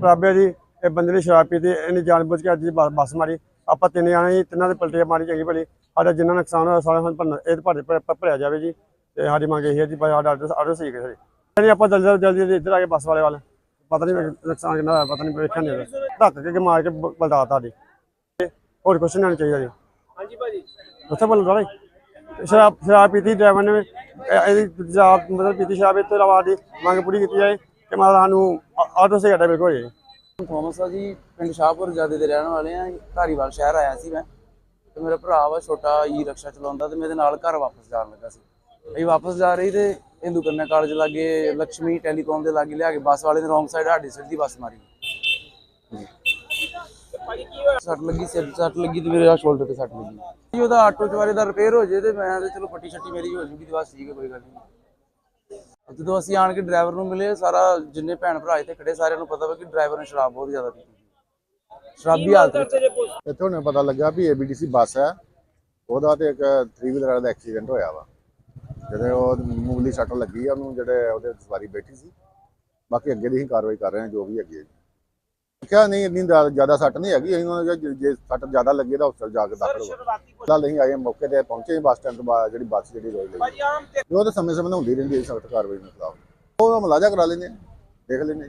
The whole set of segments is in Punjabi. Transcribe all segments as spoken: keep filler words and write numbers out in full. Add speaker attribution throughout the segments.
Speaker 1: ਪ੍ਰਾਬਿਆ ਜੀ ਇਹ ਬੰਦੇ ਨੇ ਸ਼ਰਾਬ ਪੀਤੀ, ਇਹਨੇ ਜਾਣਬੁੱਝ ਕੇ ਅੱਜ ਬੱਸ ਮਾਰੀ। ਆਪਾਂ ਤਿੰਨ ਜਾਣੇ ਤਿੰਨਾਂ ਦੇ ਪਲਟੀਆਂ ਮਾਰੀ ਚੰਗੀ ਭਲੀ। ਸਾਡਾ ਜਿੰਨਾ ਨੁਕਸਾਨ ਹੋਇਆ ਸਾਰਾ ਸਾਨੂੰ ਭਰਨਾ ਇਹ ਭਰ ਭਰਿਆ ਜਾਵੇ ਜੀ। ਤੇ ਸਾਡੀ ਮੰਗ ਇਹ ਹੈ ਜੀ ਸਾਡਾ ਆਰਡਰ ਆਰਡਰ ਸਹੀ ਕਰੇ ਨਹੀਂ। ਆਪਾਂ ਜਲਦੀ ਜਲਦੀ ਇੱਧਰ ਆ ਕੇ ਬੱਸ ਵਾਲੇ ਵੱਲ ਪਤਾ ਨਹੀਂ ਨੁਕਸਾਨ ਕਿੰਨਾ ਹੋਇਆ, ਪਤਾ ਨਹੀਂ ਵੇਖਿਆ ਨਹੀਂ, ਧੱਕ ਕੇ ਮਾਰ ਕੇ ਬਲਦਾ ਸਾਡੀ। ਹੋਰ ਕੁਛ ਨਹੀਂ ਚਾਹੀਦਾ ਜੀ। ਹਾਂਜੀ ਭਾਜੀ ਉੱਥੇ ਬੋਲਦਾ ਭਾਈ ਸ਼ਰਾਬ ਸ਼ਰਾਬ ਪੀਤੀ ਡਰਾਈਵਰ ਨੇ ਇਹਦੀ ਸ਼ਰਾਬ ਮਤਲਬ ਪੀਤੀ ਸ਼ਰਾਬ। ਇਸ ਤੋਂ ਇਲਾਵਾ ਦੀ ਮੰਗ ਪੂਰੀ ਕੀਤੀ ਜਾਏ ਕਿ ਮਤਲਬ ਸਾਨੂੰ ਆਟੋ ਸੇ ਘਟਾ ਬਿਲਕੁਲ ਹੋ ਜਾਏ।
Speaker 2: ਥੋਮਸ ਆ ਜੀ, ਪਿੰਡ ਸ਼ਾਹਪੁਰ ਜਾਦੇ ਦੇ ਰਹਿਣ ਵਾਲੇ ਆ। ਧਾਰੀਵਾਲ ਸ਼ਹਿਰ ਆਇਆ ਸੀ ਮੈਂ, ਤੇ ਮੇਰਾ ਭਰਾ ਵਾ ਛੋਟਾ ਈ ਰਕਸ਼ਾ ਚਲਾਉਂਦਾ, ਤੇ ਮੇਰੇ ਨਾਲ ਘਰ ਵਾਪਸ ਜਾਣ ਲੱਗਾ ਸੀ। ਅਸੀਂ ਵਾਪਸ ਜਾ ਰਹੀ ਤੇ ਹਿੰਦੂ ਕੰਨਿਆ ਕਾਲਜ ਲਾਗੇ ਲక్ష్ਮੀ ਟੈਲੀਕਾਮ ਦੇ ਲਾਗੇ ਲਿਆ ਕੇ ਬੱਸ ਵਾਲੇ ਨੇ ਰੋਂਗ ਸਾਈਡ ਸਾਡੀ ਸਿੱਧੀ ਬੱਸ ਮਾਰੀ। ਸੱਟ ਲੱਗੀ, ਸਿਰ ਸੱਟ ਲੱਗੀ ਤੇ ਮੇਰੇ ਆ ਸ਼ੋਲਡਰ ਤੇ ਸੱਟ ਲੱਗੀ। ਉਹਦਾ ਆਟੋ ਚਵਾਰੇ ਦਾ ਰਿਪੇਅਰ ਹੋ ਜੇ ਤੇ ਮੈਂ ਤੇ ਚਲੋ ਪੱਟੀ ਛੱਟੀ ਮੇਰੀ ਹੋ ਜੂਗੀ ਤੇ ਬਸ ਠੀਕ ਹੈ, ਕੋਈ ਗੱਲ ਨਹੀਂ। ਜਦੋਂ ਅਸੀਂ ਆਣ ਕੇ ਡਰਾਈਵਰ ਨੂੰ ਮਿਲੇ, ਸਾਰਾ ਜਿੰਨੇ ਭੈਣ ਭਰਾ ਇੱਥੇ ਖੜੇ ਸਾਰਿਆਂ ਨੂੰ ਪਤਾ ਵਾ ਕਿ ਡਰਾਈਵਰ ਨੇ ਸ਼ਰਾਬ ਬਹੁਤ ਜ਼ਿਆਦਾ ਪੀਤੀ, ਸ਼ਰਾਬੀ ਹਾਲਤ ਵਿੱਚ।
Speaker 3: ਇੱਥੋਂ ਨੇ ਪਤਾ ਲੱਗਾ ਵੀ ਏਬੀਟੀਸੀ ਬੱਸ ਹੈ, ਉਹਦਾ ਤੇ ਇੱਕ ਥਰੀ ਵੀਲਰ ਦਾ ਐਕਸੀਡੈਂਟ ਹੋਇਆ ਵਾ। ਜਿਹੜੇ ਉਹ ਮੂਲੀ ਸੱਟ ਲੱਗੀ ਆ ਉਹਨੂੰ, ਜਿਹੜੇ ਉਹਦੇ ਸਵਾਰੀ ਬੈਠੀ ਸੀ। ਬਾਕੀ ਅੱਗੇ ਦੀ ਹੀ ਕਾਰਵਾਈ ਕਰ ਰਹੇ ਹਾਂ ਜੋ ਵੀ ਅੱਗੇ। ਕਿਹਾ ਨਹੀਂ ਇੰਨੀ ਜ਼ਿਆਦਾ ਸੱਟ ਨਹੀਂ ਹੈਗੀ, ਅਸੀਂ ਉਹਨਾਂ ਜੇ ਸੱਟ ਜ਼ਿਆਦਾ ਲੱਗੇ ਤਾਂ ਹਸਪਤਾਲ ਜਾ ਕੇ ਦਾਖਲ ਹੋਇਆ। ਫਿਲਹਾਲ ਅਸੀਂ ਆਏ ਮੌਕੇ ਤੇ ਪਹੁੰਚੇ ਬੱਸ ਸਟੈਂਡ ਤੋਂ ਬਾਅਦ ਜਿਹੜੀ ਬੱਸ ਜਿਹੜੀ ਰੋਈ ਲਈ ਉਹ ਤਾਂ ਸਮੇਂ ਸਮੇਂ ਹੁੰਦੀ ਰਹਿੰਦੀ ਹੈ ਸਖਤ ਕਾਰਵਾਈ ਦੇ ਖਿਲਾਫ। ਉਹ ਮੁਲਾਜ਼ਾ ਕਰਾ ਲੈਂਦੇ ਦੇਖ ਲੈਂਦੇ।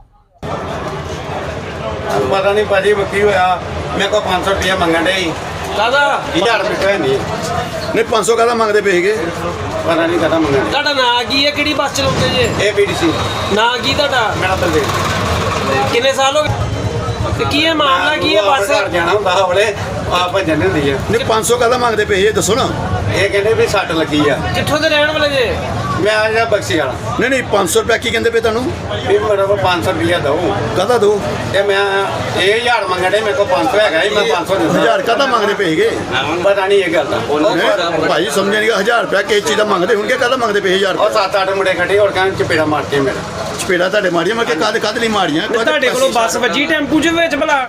Speaker 4: ਪਤਾ ਨਹੀਂ ਭਾਜੀ ਕੀ ਹੋਇਆ, ਮੇਰੇ ਕੋਲ ਪੰਜ ਸੌ ਰੁਪਇਆ ਮੰਗਣ ਡੇ
Speaker 5: ਕਾਹਦਾ
Speaker 4: ਹਜ਼ਾਰ ਰੁਪਇਆ ਨਹੀਂ
Speaker 6: ਨਹੀਂ ਪੰਜ ਸੌ ਕਾਹਦਾ ਮੰਗਦੇ ਪਏ ਸੀਗੇ,
Speaker 4: ਪਤਾ ਨਹੀਂ ਕਾਹਦਾ ਮੰਗਣ।
Speaker 5: ਤੁਹਾਡਾ ਨਾਂ ਕੀ ਹੈ, ਕਿਹੜੀ ਬੱਸ ਚਲਾਉਂਦੇ ਜੇ?
Speaker 4: ਏਬੀਟੀਸੀ
Speaker 5: ਨਾਂ ਕੀ ਤੁਹਾਡਾ?
Speaker 4: ਮੇਰਾ ਬਲਦੇਵ।
Speaker 5: ਕਿੰਨੇ ਸਾਲ ਹੋ ਗਏ ਤੇ ਕੀ ਇਹ ਮਾਮਲਾ ਕੀ ਹੈ? ਬੱਸ
Speaker 4: ਘਰ ਜਾਣਾ ਹੁੰਦਾ ਹਵਲੇ ਆ ਭੱਜਣ ਹੁੰਦੀ ਆ।
Speaker 6: ਨਹੀਂ ਪੰਜ ਸੌ ਕਾਹਦਾ ਮੰਗਦੇ ਪਏ ਇਹ ਦੱਸੋ ਨਾ।
Speaker 4: ਇਹ ਕਹਿੰਦੇ ਵੀ ਸੱਟ ਲੱਗੀ ਆ।
Speaker 5: ਕਿੱਥੋਂ ਦੇ ਰਹਿਣ ਵਾਲੇ ਜੇ?
Speaker 4: ਮੈਂ ਆ ਜਾ ਬਖਸ਼ੀ ਵਾਲਾ।
Speaker 6: ਨਹੀਂ ਨਹੀਂ ਪੰਜ ਸੌ ਰੁਪਇਆ ਕੀ ਕਹਿੰਦੇ ਪਏ ਤੁਹਾਨੂੰ?
Speaker 4: ਵੀ ਮੇਰੇ ਕੋਲ ਪੰਜ ਸੌ ਰੁਪਇਆ ਦਊ।
Speaker 6: ਕਾਹਦਾ ਦੋ?
Speaker 4: ਤੇ ਮੈਂ ਇਹ ਹਜ਼ਾਰ ਮੰਗਣ ਡੇ, ਮੇਰੇ ਕੋਲ ਪੰਜ ਸੌ ਹੈਗਾ ਸੀ, ਮੈਂ ਪੰਜ ਸੌ ਦਿੱਤਾ।
Speaker 6: ਹਜ਼ਾਰ ਕਾਹਦਾ ਮੰਗਦੇ ਪਏ ਸੀਗੇ?
Speaker 4: ਪਤਾ ਨਹੀਂ ਇਹ ਗੱਲ ਦਾ।
Speaker 6: ਨਹੀਂ, ਭਾਈ ਸਮਝਿਆ ਨਹੀਂ, ਹਜ਼ਾਰ ਰੁਪਇਆ ਕਿਸੇ ਚੀਜ਼ ਦਾ ਮੰਗਦੇ ਹੋਣਗੇ, ਕਾਹਦਾ ਮੰਗਦੇ ਪਏ ਹਜ਼ਾਰ
Speaker 4: ਉਹ
Speaker 6: ਰੁਪਇਆ?
Speaker 4: ਸੱਤ ਅੱਠ ਮੁੰਡੇ ਖੜੇ ਹੋਰ ਕਹਿੰਦੇ ਚਪੇੜਾ ਮਾਰਤੇ ਮੇਰਾ।
Speaker 6: ਚਪੇੜਾ ਤੁਹਾਡੇ ਮਾਰੀਆਂ, ਮੈਂ ਕਿ ਕਾਹਦੇ ਕਾਹਦੇ ਲਈ ਮਾਰੀਆਂ?
Speaker 5: ਤੁਹਾਡੇ ਕੋਲੋਂ ਬੱਸ ਵੱਜੀ ਟੈਂਪੂ ਚ ਵਿੱਚ ਭਲਾ?